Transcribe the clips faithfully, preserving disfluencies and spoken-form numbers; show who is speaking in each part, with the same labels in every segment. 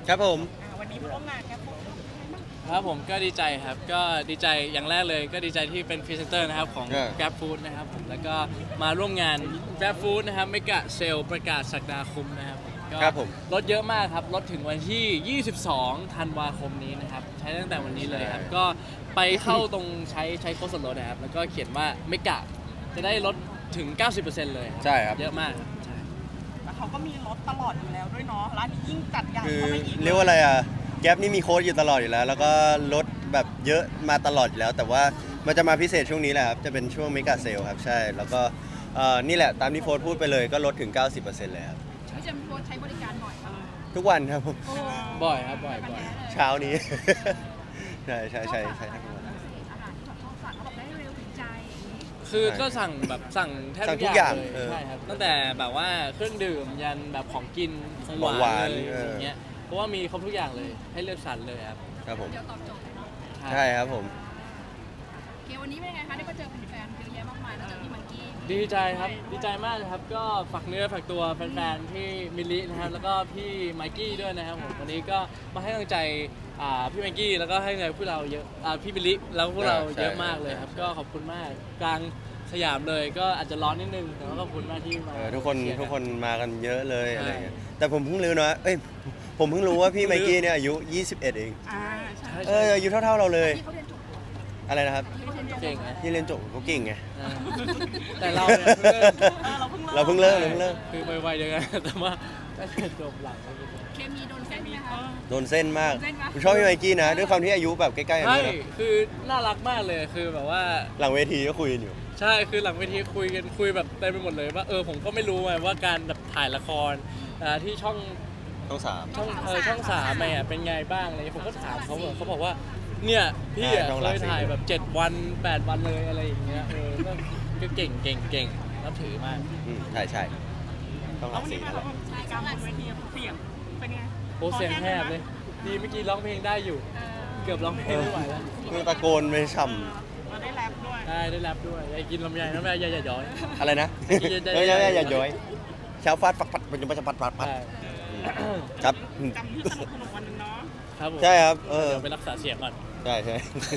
Speaker 1: ครับผม
Speaker 2: วันนี้มาร่วมงานครับ
Speaker 3: ครับผมก็ดีใจครับก็ดีใจอย่างแรกเลยก็ดีใจที่เป็นพรีเซนเตอร์นะครับของ
Speaker 1: อ่า
Speaker 3: Grab Food นะครับผมแล้วก็มาร่วมงาน Grab Food นะครับเมกะเซลประกาศสักดาคมนะครับก็
Speaker 1: ครับผม
Speaker 3: ลดเยอะมากครับลดถึงวันที่ ยี่สิบสองธันวาคมนี้นะครับใช้ตั้งแต่วันนี้เลยครับก็ไปเข้าตรงใช้ใช้โค้ดส่วนลดนะครับแล้วก็เขียนว่าเมกะจะได้ลดถึง เก้าสิบเปอร์เซ็นต์ เลยครับ
Speaker 1: ใช่ครับ
Speaker 3: เยอะมากครับใช่
Speaker 2: แล้วเขาก็มีรถตลอดอยู่แล้วด้วยเนาะร้านนี้ยิ่งจัดใหญ่
Speaker 1: คือ
Speaker 2: เข้าไปอีก
Speaker 1: เรียกว่าอะไรอ่ะแก๊ปนี่มีโค้ดอยู่ตลอดอยู่แล้ว แล้วก็ลดแบบเยอะมาตลอดอยู่แล้ว แต่ว่ามันจะมาพิเศษช่วงนี้แหละครับจะเป็นช่วงเมกะเซลครับใช่แล้วก็เอ่อนี่แหละตามที่โฟร์พูดไปเลยก็ลดถึง เก้าสิบเปอร์เซ็นต์ เลยครับ
Speaker 4: พี่เจมส์โพสใช้บริการบ่อยมาก
Speaker 1: ทุกวันครับผม
Speaker 3: บ่อยครับบ่อยบ่อย
Speaker 1: เช้านี้ ใช่ใช่ใช่ใช่ทั้งวัน
Speaker 4: อาหารที่แบบชอบสั่งเขาบอกได้เร็วถึงใจอย่างนี้
Speaker 3: คือก็สั่งแบบสั่งแทบ
Speaker 1: สั่งทุ
Speaker 3: ทุ
Speaker 1: ก
Speaker 3: ก
Speaker 1: อ
Speaker 3: อย่าง
Speaker 1: ย่าง
Speaker 3: เลย
Speaker 1: เออ
Speaker 3: ใช่ครับตั้งแต่แบบว่าเครื่องดื่มยันแบบของกินของห
Speaker 1: ของหวาว
Speaker 3: าน นเลย
Speaker 1: เอออ
Speaker 3: อย่างเงี้ยเพราะว่ามีครบทุกอย่างเลยให้เลือกสรรเลยครับ
Speaker 1: ครับผม
Speaker 4: เดี๋ยวตอบโจทย์เลยเนาะ
Speaker 1: ใช่ครับผม
Speaker 4: โอเควันนี้เป็นไงคะได้มาเจอแฟนๆเยอะแยะมากมายแล้วเจอพี่มังกี้
Speaker 3: ดีใจครับดีใจมากเลยครับก็ฝากเนื้อฝากตัวแฟนๆที่มิลลินะครับแล้วก็พี่ไมกี้ด้วยนะครับผมวันนี้ก็มาให้กำลังใจอ่าพี่ไมกี้แล้วก็ให้กำลังใจพวกเราเยอะอ่าพี่มิลลิแล้วก็พวกเรา
Speaker 1: ใช่
Speaker 3: เยอะมากเลยครับ
Speaker 1: ใช่
Speaker 3: ก็ขอบคุณมากกลางสยามเลยก็อาจจะร้อนนิดนึงแต่ว่าขอบคุณมากที่มา
Speaker 1: เออทุกคน
Speaker 3: เชียร์
Speaker 1: ทุกคนมากันเยอะเลย
Speaker 3: ใช่
Speaker 1: อะไรเงี้ยแต่ผมเพิ่งรู้นะเอ้ยผมเพิ่งรู้ว่าพี่ไมกี้เนี่ยอายุ ยี่สิบเอ็ด เอง
Speaker 2: อ่าใช่
Speaker 3: ใช่
Speaker 1: เอ
Speaker 3: ใช่
Speaker 1: ออายุเท่าๆเราเลย
Speaker 4: ที่เขาเรียนจบ
Speaker 1: อะไรนะครับ
Speaker 3: เก่งนะ
Speaker 1: ที่เรียนจบเขาเก่งไง
Speaker 3: อ่าแต่เราเนี่ยเพิ่งเริ่ม
Speaker 2: เออเราเพิ่ง
Speaker 1: เราเพิ่งเริ่มเราเพิ่งเริ่ม
Speaker 3: คือไวๆเดียวกัน แต่ว่าได้จบหลัง
Speaker 4: เคมีโดนเส้นไหมคะ
Speaker 1: โดนเส้นมาก
Speaker 4: โดนเส้นปะ
Speaker 1: ผมชอบพี่ไมกี้นะ ด้วยความที่อายุแบบใกล้ๆกัน
Speaker 3: ใช่
Speaker 1: ด้วยนะ
Speaker 3: คือน่ารักมากเลยคือแบบว่า
Speaker 1: หลังเวทีก็คุยกันอยู่
Speaker 3: ใช่คือหลังเวทีคุยกันคุยแบบเต็มไปหมดเลยว่าเออผมก็ไม่รู้ไงว่าการแบบถ่ายละครอ่าที่ช่อง
Speaker 1: ต้องสาม
Speaker 3: ช่องเออช่องสามอ่ะเป็นไงบ้างอะไรเงี้ยผมก็ถามเขาแบบเขาบอกว่าเนี่ยพี่อ่ะ
Speaker 1: ช่อง
Speaker 3: เค
Speaker 1: หลัก
Speaker 3: ย
Speaker 1: สี่
Speaker 3: ถ่ายแบบเจ็ดวันแปดวันเลยอะไรอย่างเงี้ยเออก็ก็เก่งเก่งเก่งนับถือมาก
Speaker 1: อืมใช่ใช่ต้องห
Speaker 2: แล้
Speaker 1: ลั
Speaker 2: ว
Speaker 1: ก
Speaker 2: วัน
Speaker 1: สี่
Speaker 2: นี้
Speaker 1: นั่น
Speaker 2: เรา
Speaker 1: แหละ
Speaker 2: ใช้การบนเวทีเสียงเป็นไง
Speaker 3: โอ้เสียงแหบเลย ดีเมื่อกี้ร้องเพลงได้อยู่ เกือบร้องเพลงไม่ไหวแล้ว
Speaker 1: คือตะโกนไปฉ่
Speaker 2: มาได้แรปด้วย
Speaker 3: ได้ได้แรปด้วยอยากกินลำไยน้ำลายอย่าอย่าย้อย
Speaker 1: ำอะไรนะ
Speaker 3: เย็นๆ
Speaker 1: เฮ้ยอย่าอย่าอย่าย้อยเช้าฟาดฟัดฟัดมันจะมาจะปัดปัดปัด
Speaker 3: ใช่
Speaker 1: ครับ
Speaker 2: จำที่สนุกสนุกวันหนึงเนาะ
Speaker 3: ครับผม
Speaker 1: ใช่ครับเออ
Speaker 3: เดี๋ยวไปรักษาเสียงก่อน
Speaker 1: ใช่ใช่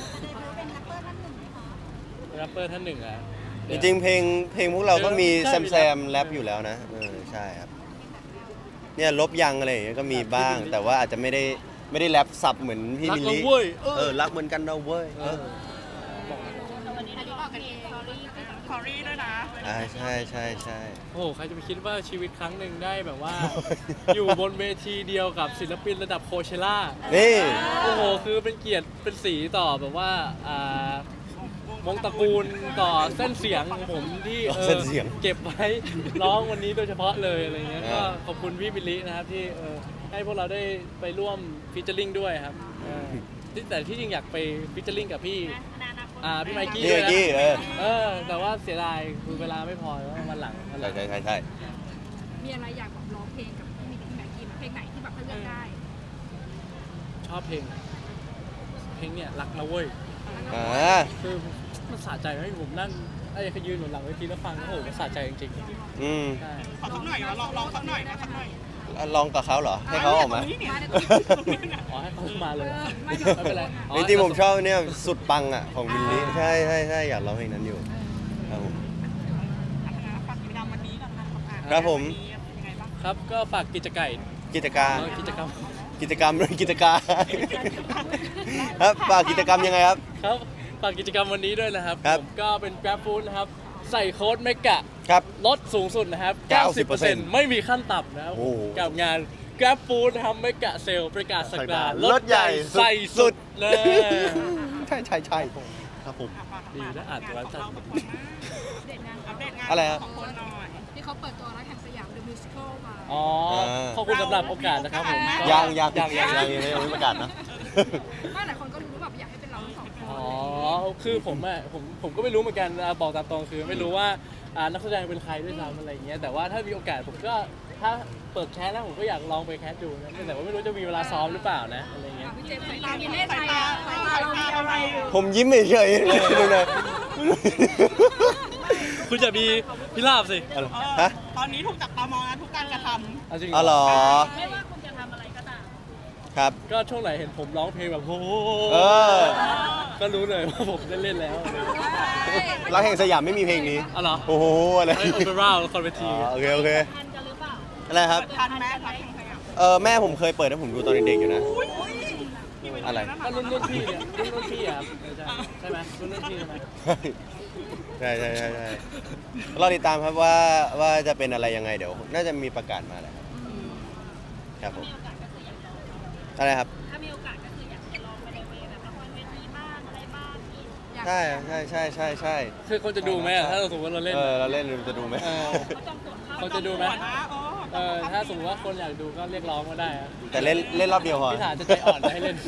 Speaker 3: แรปเปอร์ท่านหนึ่งอ่ะ
Speaker 1: จริงๆเพลงเพลงพวกเราก็มี
Speaker 3: ใช่
Speaker 1: แซม
Speaker 3: มี
Speaker 1: แซ
Speaker 3: แรป
Speaker 1: มแรปอยู่แล้วนะเออใช่ครับเนี่ยลบยังอะไรอย่างเงี้ยก็มีบ้าง แต่ว่าอาจจะไม่ได้ไม่ได้แรปสับเหมือนพี่
Speaker 3: รัก
Speaker 1: มิล
Speaker 3: เรา
Speaker 1: ลี่
Speaker 3: เว้ยเอ
Speaker 1: เอ
Speaker 3: อ
Speaker 1: อรักเหมือนกันเราเว้ย
Speaker 3: เอ
Speaker 1: เอ
Speaker 3: อ
Speaker 1: อ
Speaker 4: วันนี้เราออกกันเองสตอรี่
Speaker 2: คอรี่ด้วยนะ
Speaker 1: อ่าใช่ใช่ใช่
Speaker 3: โอ้โหใครจะไปคิดว่าชีวิตครั้งหนึ่งได้แบบว่า อยู่บนเวทีเดียวกับศิลปินระดับโคเชล่า
Speaker 1: นี่
Speaker 3: โอ้โห คือเป็นเกียรติเป็นสีต่อแบบว่าอ่าวงตระกูลต่อเส้นเสียงของผมที่ออ
Speaker 1: เส้นเสียง
Speaker 3: เก็บไว้ร้องวันนี้โดยเฉพาะเลยอะไรเงี้ย
Speaker 1: อ่า
Speaker 3: ก็ขอบคุณพี่บิลลี่นะครับที่เออให้พวกเราได้ไปร่วมฟีเจอริงด้วยครับเออที่แต่ที่จริงอยากไปฟีเจอริงกับพี่อ่าพี่ไมกี้
Speaker 1: นี่
Speaker 3: ด้
Speaker 1: เมื่
Speaker 3: วย
Speaker 1: อกี้
Speaker 3: นะ
Speaker 1: เออ
Speaker 3: เออแต่ว่าเสียดายคือเวลาไม่พอแล้ววันหลังวันห
Speaker 1: ใช่
Speaker 3: ลัง
Speaker 1: ใช่ใช่ใช่
Speaker 4: มีอะไรอยากแบบร้องเพลงกับพี่มิกกี้แม็กกี้ไหมเพลงไหนที่แบบเขาเลือกได้
Speaker 3: ชอบเพลง เพลงเนี่ยรักนะเว้ย
Speaker 1: อ่า
Speaker 3: คือมันสะใจให้ผมนั่งไอ้เขายืนหนุนหลังเวทีแล้วฟังโอ้โหมันสะใจจริง
Speaker 1: อืม
Speaker 3: ๆใช่
Speaker 2: ขอสักหน่อยนะลองลองสักหน่อยนะสักหน่อย
Speaker 1: ลองกับเขาเหรอให้เขาออกมา
Speaker 2: ตรงนี้เนี่ย
Speaker 4: มาใน
Speaker 2: ต
Speaker 4: ตั
Speaker 2: ร
Speaker 4: ว
Speaker 2: งนี้เนี่ย
Speaker 3: อ๋อให้เขามาเลย
Speaker 4: เออไม่
Speaker 3: ไม่เป็นไรอ๋อ
Speaker 1: จริงๆผมชอบเนี่ยสุดปังอ่ะของบิลลี่ใช่ใช่ใช่อยากร้องเพลงนั้นอยู่ครับผม
Speaker 2: ฝากกิจกรรมวันนี้ก่อนนะครับ
Speaker 1: ครับผม
Speaker 2: ยังไงบ้าง
Speaker 3: ครับก็ฝากกิจไก่
Speaker 1: กิจการ
Speaker 3: เออกิจกรรม
Speaker 1: กิจกรรมด้วยกิจการครับฝากกิจกรรมยังไงครับ
Speaker 3: ครับฝากกิจกรรมวันนี้ด้วยนะครับ
Speaker 1: ครับ
Speaker 3: ผมก็เป็น Grab Food นะครับ ใส่โค้ดเมกะ
Speaker 1: ครับ
Speaker 3: ลดสูงสุดนะครับ
Speaker 1: เก้าสิบ
Speaker 3: เก้าสิบ
Speaker 1: เป
Speaker 3: เป
Speaker 1: อ
Speaker 3: อ
Speaker 1: ร์
Speaker 3: ร์
Speaker 1: เซ็
Speaker 3: เซ็
Speaker 1: น
Speaker 3: น
Speaker 1: ต์
Speaker 3: ต์ไม่มีขั้นต่ำนะครับ
Speaker 1: โอ้โห
Speaker 3: กับงาน Grab Food นะครับเมกะเซลประกาศสักดา
Speaker 1: ลดใหญ่สุด
Speaker 3: ใส่สุดเลย
Speaker 1: ใช่ใช่ใช่ครับผม
Speaker 3: ดีนะอ่านตัวแล้วจัด
Speaker 4: เด็ดงาน
Speaker 2: อัปเดตงาน
Speaker 1: อะไรครับ
Speaker 2: ของคนหน่อย
Speaker 4: ที่เขาเปิดตัวรักแห่งสยาม The Musical มา
Speaker 3: อ๋อขอบคุณสำหรับโอกาสนะครับผมก็
Speaker 1: ยังยัง
Speaker 3: ยังยัง
Speaker 1: ยังยังยังไม่ประกาศนะ
Speaker 4: ไม่หลายคนก็รู้ว่าแบบอยากให้เป็นเราทั้งสองคน
Speaker 3: อ๋อ คือผมอ่ะผมผมก็ไม่รู้เหมือนกันอ่ะบอกตามตรงคือไม่รู้ว่าอ่านักแสดงเป็นใครด้วยซ้ำอะไรอย่างเงี้ยแต่ว่าถ้ามีโอกาสผมก็ถ้าเปิดแคสแล้วผมก็อยากลองไปแคสดูนะแต่ว่าไม่รู้จะมีเวลาซ้อมหรือเปล่านะอะไรเงี้ย
Speaker 4: พี่เจมส์สายตามีเล่นอะไรอ่ะสายตาเรามีอะไรอยู่
Speaker 1: ผมยิ้มเฉยๆเลยนะ
Speaker 3: คุณจะมีพิราบสิ
Speaker 1: อะไร
Speaker 2: เออ
Speaker 1: ฮะ
Speaker 2: ตอนนี้ถูกจับตามองนะทุกการกระท
Speaker 3: เอาจริง
Speaker 1: อ๋อเหรอ
Speaker 4: ไม่ว่าคุณจะทำอะไรก็ตาม
Speaker 1: ครับ
Speaker 3: ก็ช่วงไหนเห็นผมร้องเพลงแบบโอ้โห
Speaker 1: เออ
Speaker 3: ก็รู้เลยว่าผมได้เล่นแล้ว
Speaker 1: รักแห่งสยามไม่มีเพลงนี้
Speaker 3: อ๋อเหรอ
Speaker 1: โอ้โหอะไร
Speaker 3: ไอโอเปร่าละครเว
Speaker 1: อ๋
Speaker 3: ที
Speaker 1: อโอเคโอเค
Speaker 4: ทันกันหรือเปล่า
Speaker 1: อะไรครับ
Speaker 2: ทันไหมรักแห่งสยาม
Speaker 1: เออแม่ผมเคยเปิดให้ผมดูตอนเด็กๆอยู่นะ
Speaker 2: อุ้ยอุ้ยพี่ปดู
Speaker 1: อะไร
Speaker 3: ก็รุ่นรุ่นพี่เนี่ยรุ่นรุ่นพี่อะครับใช่ใช่ไหมรุ่นรุ่นพี่ใช่ไหม
Speaker 1: ใช่ใช่ใช่ใช่รอติดตามครับว่าว่าจะเป็นอะไรยังไงเดี๋ยว น่าจะมีประกาศมาแหละครับผมอะไรครับ
Speaker 4: ถ้ามีโอกาสก็คืออยากจะลองไปในเวย์แบบละครเวทีบ้างอะไรบ้างอีกอยาก
Speaker 1: ใช่ใช่ใช่ใช่ใช่
Speaker 3: คือคนจะดูไหมอะถ้าเราสมมติว่าเราเล่น
Speaker 1: เออเราเล่นจะดูไหม
Speaker 3: เออ
Speaker 4: ก็จองตั๋วเข้า
Speaker 3: คนจะดูไหม
Speaker 2: หัวนะโอ้
Speaker 3: เออถ้าสมมติว่าคนอยากดูก็เรียกร้องมาได้อะ
Speaker 1: แต่เล่นเล่นรอบเดียวพอ
Speaker 3: พี่ถาจะใจอ่อนจะให้เล่น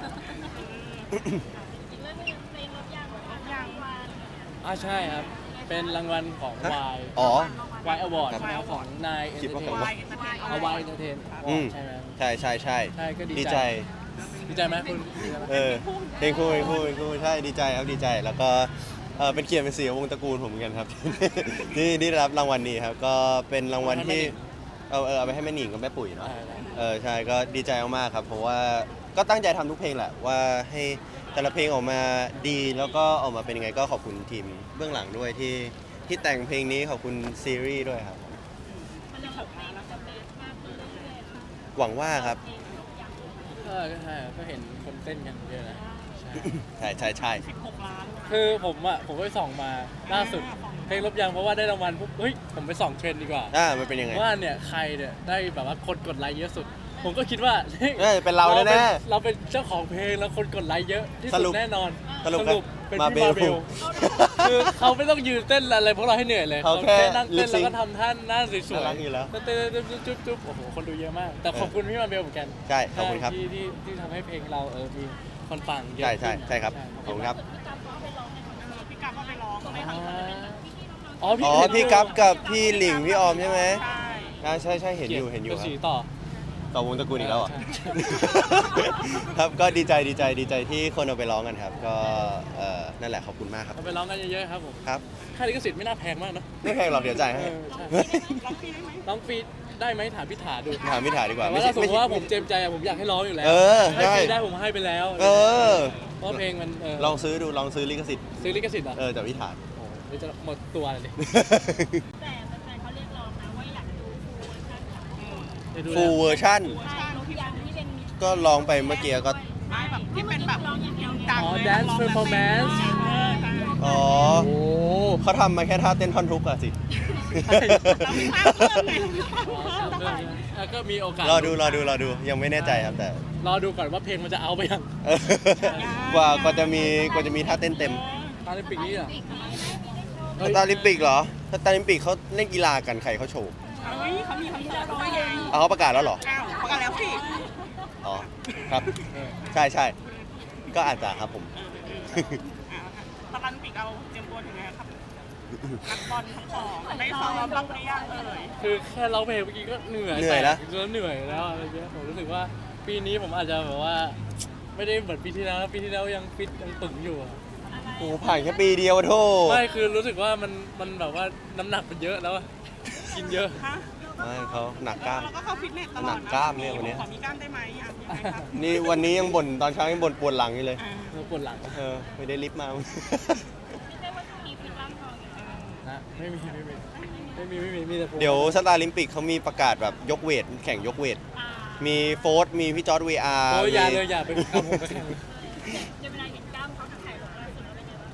Speaker 4: อีกเรื่องนึงเพลงรถยางรถยางมา
Speaker 3: อ่าใช่ครับ เป็นรางวัลของ
Speaker 1: ฮะ
Speaker 3: วาย
Speaker 1: อ๋อ
Speaker 3: วายอวอร์ด
Speaker 1: ครับ
Speaker 3: ของนายเอ็น
Speaker 1: คิด
Speaker 3: เตอ
Speaker 1: ว่า
Speaker 3: ร์เท
Speaker 1: ใคร
Speaker 3: น
Speaker 1: วะ
Speaker 3: เอาวายเอ็นเตอร์เทน
Speaker 1: อืม
Speaker 3: ใช่ไหม
Speaker 1: ใช่ใช่ใช่
Speaker 3: ใช่ก็ดี
Speaker 1: ดี
Speaker 3: ใจ
Speaker 1: ใจ
Speaker 3: ดีใจไหมคุณดีใจไหม
Speaker 1: เออเพลงคู่เพลงคู่เพลงคู่ใช่ดีใจครับดีใจแล้วก็เออเป็นเกียรติเป็นเสียงวงตระกูลผมเหมือนกันครับ ที่ที่ได้รับรางวัลนี้ครับก็เป็นรางวัลที่เอาเออเอาไปให้แม่หนิงกับแม่ปุ๋ยเนาะ
Speaker 3: ได้ได้
Speaker 1: เออใช่ก็ดีใจมากๆครับ เพราะว่าก็ตั้งใจทำทุกเพลงแหละว่าให้แต่ละเพลงออกมาดีแล้วก็ออกมาเป็นยังไงก็ขอบคุณทีมเบื้องหลังด้วยที่ที่แต่งเพลงนี้ขอบคุณซีรีส์ด้วยครับ
Speaker 4: มันจะแบบเพลงมันจะเบสมากขึ้นเรื่อยๆค่ะ
Speaker 1: หวังว่าครับ
Speaker 4: เพลงรถยาง
Speaker 3: เออก็ใช่ก็เห็นคนเต้นกันเยอะนะใช่
Speaker 1: ใช่ใช่ใช่
Speaker 2: สิบหกล้าน
Speaker 3: คือผมอ่ะผมก็ไปส่องมาล่าสุดเพลงลบยางเพราะว่าได้รางวัลปุ๊บเฮ้ยผมไปส่องเทรนด์ดีกว่า
Speaker 1: อ่ามันเป็นยังไง
Speaker 3: ว่าเนี่ยใครเนี่ยได้แบบว่าคนกดไลค์เยอะสุด ผมก็คิดว่าฮ้ย
Speaker 1: เอ้ยเป็นเราแน่ๆ
Speaker 3: ป็เราเป็นเจ้าของเพลงแล้วคนกดไลค์เยอะที่
Speaker 1: ส
Speaker 3: สุ
Speaker 1: รุ
Speaker 3: ด
Speaker 1: ป
Speaker 3: แน่นอน
Speaker 1: สรุป
Speaker 3: เป็น
Speaker 1: มา
Speaker 3: พี่มา
Speaker 1: เบ
Speaker 3: เบ
Speaker 1: ล
Speaker 3: ลคือเขาไม่ต้องยืนเต้นอะไรพวกเราให้เหนื่อยเลย
Speaker 1: เขาแค่
Speaker 3: นั่งเต้น
Speaker 1: lip
Speaker 3: แล้ว
Speaker 1: sync
Speaker 3: ก็ทำท่าหน้าสวย
Speaker 1: น่ารักอยู่แล้ว
Speaker 3: ๆเต้นๆจุ๊บจุ๊บจุ๊บโอ้โหคนดูเยอะมาก แต่ขอบคุณพี่มาเบลเหมือนกัน
Speaker 1: ใช่ขอบคุณครับ
Speaker 3: ที่ที่ที่ทำให้เพลงเราเออมีคนฟังเยอะ
Speaker 1: ใช่ใช่
Speaker 3: ขึ้น
Speaker 1: ใช่ครับขอบคุณครับ
Speaker 2: พี่กั๊บก็ไปร้องไม่
Speaker 3: อ่า
Speaker 2: ทำ
Speaker 3: อ๋อพี่
Speaker 1: อ๋อ
Speaker 3: เห็น
Speaker 1: พี่
Speaker 3: อยู่
Speaker 1: กัฟกับพี่หลิงพี่ออมใช่ไหม
Speaker 2: ใช่
Speaker 1: อ่าใช่ใช่เห็นอยู่เห็นอยู่
Speaker 3: ป็
Speaker 1: ครั
Speaker 3: สี
Speaker 1: บ
Speaker 3: ต่อ
Speaker 1: ต่อวงตระกูลอีกแล้วเหรอ่ะ
Speaker 3: ใช่
Speaker 1: ครับก็ดีใจดีใจดีใจที่คนเอาไปร้องกันครับ ก็เอ่อนั่นแหละขอบคุณมากครับ
Speaker 3: เราไปร้องกันเยอะๆครับผม
Speaker 1: ครับ
Speaker 3: ค่าลิขสิทธิ์ไม่น่าแพงมากเนอะ
Speaker 1: ไม่แพงหรอกเดี๋ยวจ่ายให้
Speaker 3: เออใช่
Speaker 2: ร้องฟรีได้ไหม
Speaker 3: ร้องฟรีได้ไหมถามพี่ถาดู
Speaker 1: ถามพี่ถาดีกว่า
Speaker 3: แต่
Speaker 1: ไม่
Speaker 3: ว่า
Speaker 1: ใช่
Speaker 3: ถ้าสมมติว่าผม
Speaker 1: ไใช่
Speaker 3: เจมใจอะผมอยากให้ร้องอยู่แล้ว
Speaker 1: เออ
Speaker 3: ให้
Speaker 1: ได้
Speaker 3: ฟรีได้ผมให้ไปแล้ว
Speaker 1: เออ
Speaker 3: เพราะเพลงมันเออ
Speaker 1: ลองซื้อดูลองซื้อลิขสิทธิ์
Speaker 3: ซื้อลิขสิทธิ์เหรอ
Speaker 1: เออจากพี่ถา
Speaker 3: โอ้โหเดี๋ยวจะหมดตัวเลยดิ
Speaker 4: แต่แฟนๆเขาเรียกร้องนะว่าอยากดูฟูลเวอร์ชันค่ะ
Speaker 3: เดี๋ยวดู
Speaker 1: ฟูล
Speaker 3: แล้ว
Speaker 1: เวอร์ชั่น
Speaker 4: ใช่รถยางที่เป็นมิตร
Speaker 1: ก็ร้องไปเมื่อกี้ก็
Speaker 2: ไม่แบบที่เป็นแบบ
Speaker 4: ร้องอย่างเดียวเลย
Speaker 2: ดัง
Speaker 3: อ๋อ
Speaker 2: เลย
Speaker 3: dance performance
Speaker 2: เออใช่
Speaker 1: อ๋อ
Speaker 3: โอ้
Speaker 1: เขาทำมาแค่ท่าเต้นท่อนทุกอะสิ
Speaker 2: เราไม่ทราบเรื่องไง
Speaker 3: อ๋อทำเรื่องนี้อ่ะก็มีโอกาส
Speaker 1: รอดูรอดูรอดูยังไม่แน่ใจครับแต่
Speaker 3: รอดูก่อนว่าเพลงมันจะเอาไปยัง
Speaker 1: เออกว่ากว่าจะมีกว่าจะมีท่าเต้นเต็ม
Speaker 3: ตอนในปีนี้เหรอ
Speaker 1: สตาร์ลิมปิกเหรอสตาร์ลิมปิกเขาเล่นกีฬากันใครเขาโชว์
Speaker 2: เฮ้ยเขามีคอนเสิร์ตด้วยไง
Speaker 1: เอาเขาประกาศแล้วเหรอ
Speaker 2: อ้าวประกาศแล้วสิ
Speaker 1: อ๋อ ครับ
Speaker 3: เออ
Speaker 1: ใช่ใช่ ก็อาจจะครับผม
Speaker 2: ตะลันปิกเอาเตรียมตัวยังไงครับนักบอลทั้งสองได้ซ้อมบ้างหรือยังเอ่ย
Speaker 3: คือแค่ร้องเพลงเมื่อกี้ก็เหนื่อย
Speaker 1: เหนื่อยแล้ว
Speaker 3: จนเหนื่อยแล้วอะไรเงี้ยผมรู้สึกว่าปีนี้ผมอาจจะแบบว่า ไม่ได้เหมือนปีที่แล้วปีที่แล้วยังฟิตยังตึงอยู่อะ
Speaker 1: โอ้ผ่านแค่ปีเดียวโทษ
Speaker 3: ไม่คือรู้สึกว่ามันมันแบบว่าน้ำหนักมันเยอะแล้วอะกินเยอะ
Speaker 2: ฮะ
Speaker 1: ไม่เขาหนักกล้าม
Speaker 2: เราก็เข้าฟิตเนสตลอด
Speaker 1: หนักกล้ามเนี่ยวันเนี้ย
Speaker 2: ขอมีกล้ามได้ไหมอ่ะยังไงครับ
Speaker 1: นี่วันนี้ยังบ่นตอนเช้ายังบ่นปวดหลังอยู่เลย
Speaker 2: อ่า
Speaker 3: เออปวดหลัง
Speaker 1: เออ ไม่ได้ลิฟต์มา
Speaker 4: ไม่ใช่ว่าช่วงนี้ฟิตร่างทองอยู่นะ
Speaker 3: นะไม่มีไม่มีไม่มีไม่มีมีแต่ผม
Speaker 1: เดี๋ยวสตาร์ลิมปิกเขามีประกาศแบบยกเวท แข่งยกเวท
Speaker 4: อ่า
Speaker 1: มีโฟร์มีพี่จอร์ดวีอาร์
Speaker 3: โอ้ยอย่าเลยอย่าไปเอาผมไปแข่ง
Speaker 4: เดี๋ยวเวลาเห็นกล้ามเขาถ่ายลงล่าสุดแล้วเป็นไงบ้าง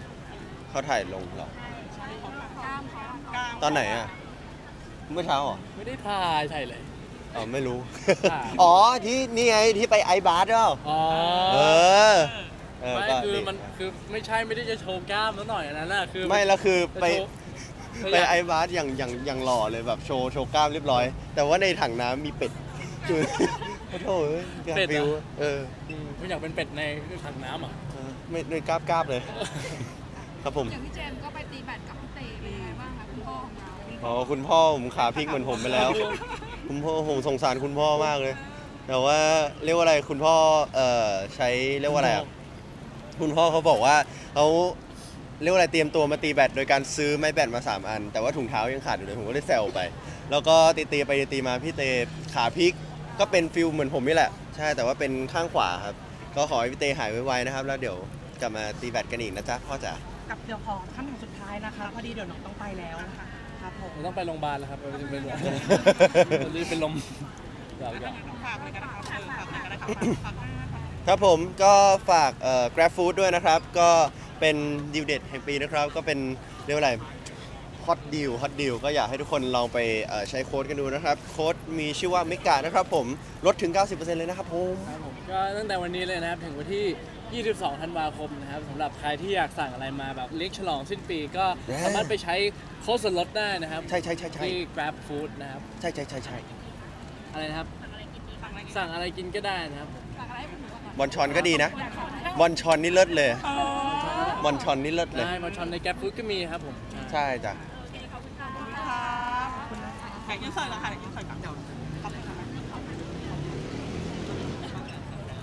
Speaker 1: เขาถ่ายลงเหรอ
Speaker 4: ใช่ใช่กล้ามเขา
Speaker 2: กล้าม
Speaker 1: ตอนไหนอ่ะ เมื่อเช้าเหรอ
Speaker 3: ไม่ได้ถ่ายถ่ายเลย
Speaker 1: อ๋อไม่รู้
Speaker 3: ถ่าย
Speaker 1: อ๋อที่นี่ไงที่ไปไอบาร์ดเปล่า
Speaker 3: อ๋อ
Speaker 1: เออ เออ
Speaker 3: ไม่
Speaker 1: ก็
Speaker 3: คือมันคือไม่ใช่ไม่ได้จะโชว์กล้ามแล้วหน่อยอันนั้นน่ะคือ
Speaker 1: ไม่แล้วคือไป
Speaker 3: จะโชว์
Speaker 1: ไปไอบาร์ดอย่างอย่างอย่างหล่อเลยแบบโชว์โชว์กล้ามเรียบร้อย แต่ว่าในถังน้ำมีเป็ดคือโอ้โหเอ้ยอยากฟิวเออ
Speaker 3: อืมไม่อยากเป็นเป็ดในถังน้ำอ่ะ
Speaker 1: เออไม่ไม่กราบกราบเลย ครับผม
Speaker 4: อย่างพี่เจมส์ก็ไปตีแบดกับพี่เตเป็นยังไงบ้างคะคุณพ่อของเรา
Speaker 1: อ๋อคุณพ่อผมขาพลิกเหมือนผมไปแล้ว คุณพ่อผมสงสารคุณพ่อมากเลย แต่ว่าเรียกว่าอะไรคุณพ่อเอ่อใช้เรียกว่าอะไรอะคุณพ่อเขาบอกว่าเขาเรียกว่าอะไรเตรียมตัวมาตีแบดโดยการซื้อไม้แบดมาสามอัน แต่ว่าถุงเท้ายังขาดอยู่เลยผมก็เลยแซวไป แล้วก็ตีตีๆไปตีๆมาพี่เตขาพลิกก็เป็นฟิลเหมือนผมนี่แหละ ใช่แต่ว่าเป็นข้างขวาครับ ก็ขอให้พี่เตหายไวๆนะครับ แล้วเดี๋ยวกลับมาตีแบตกันอีกนะจ๊ะพ่อจ๋า
Speaker 2: กับเดี๋ยวขอคำถามสุดท้ายนะคะพอดีเดี๋ยวน้องต้องไปแล้วนะคะครับผม
Speaker 3: ผมต้องไปโรงพยาบาลแล้วครับไปเป็น ตอนนี้เป็นลมเดี๋ยวเดี๋ยว
Speaker 2: ฝากเลยกันนะครับเออฝากเลยกันนะครับฝากฝาก
Speaker 1: ครับผมก็ฝากเอ่อ Grab Food ด้วยนะครับ ก็เป็นดีลเด็ดแห่งปีนะครับ ก็เป็นเรียกว่าอะไรฮอตดีลฮอตดีลก็อยากให้ทุกคนลองไปเอ่อใช้โค้ดกันดูนะครับ โค้ดมีชื่อว่าเมกานะครับผมลดถึง เก้าสิบเปอร์เซ็นต์ เลยนะครับผม
Speaker 3: ครับผมก็ตั้งแต่วันนี้เลยนะครับ ถึงวันที่ ยี่สิบสอง ธันวาคมนะครับสำหรับใครที่อยากสั่งอะไรมาแบบเลี้ยงฉลองสิ้นปี ก็สามารถไปใช้โค้ดส่วนลดได้นะครับ
Speaker 1: ใช่ใช่ใช่ใช่
Speaker 3: ที่ Grab Food นะครับ
Speaker 1: ใช่ใช่ใช่ใช่
Speaker 3: อะไรนะครับ สั่งอะไรกินก็ได้นะครับ
Speaker 1: บอลชอนก็ดีนะ บอลชอนนี่เลิศเลย บอลชอนนี่เลิศเลย
Speaker 3: ได้มาชอนใน Grab Food ก็มีครับผม
Speaker 1: ใช่จ้ะ
Speaker 2: ครับขอบคุณนะคะแขกยืนเสิร์ฟแล้วค่ะแขกยืนเสิร์ฟกับเดี๋ยวขอบคุณค่ะ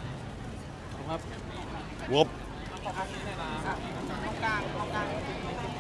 Speaker 3: ครับ
Speaker 1: งบ
Speaker 2: ตรงกลางตรงกลาง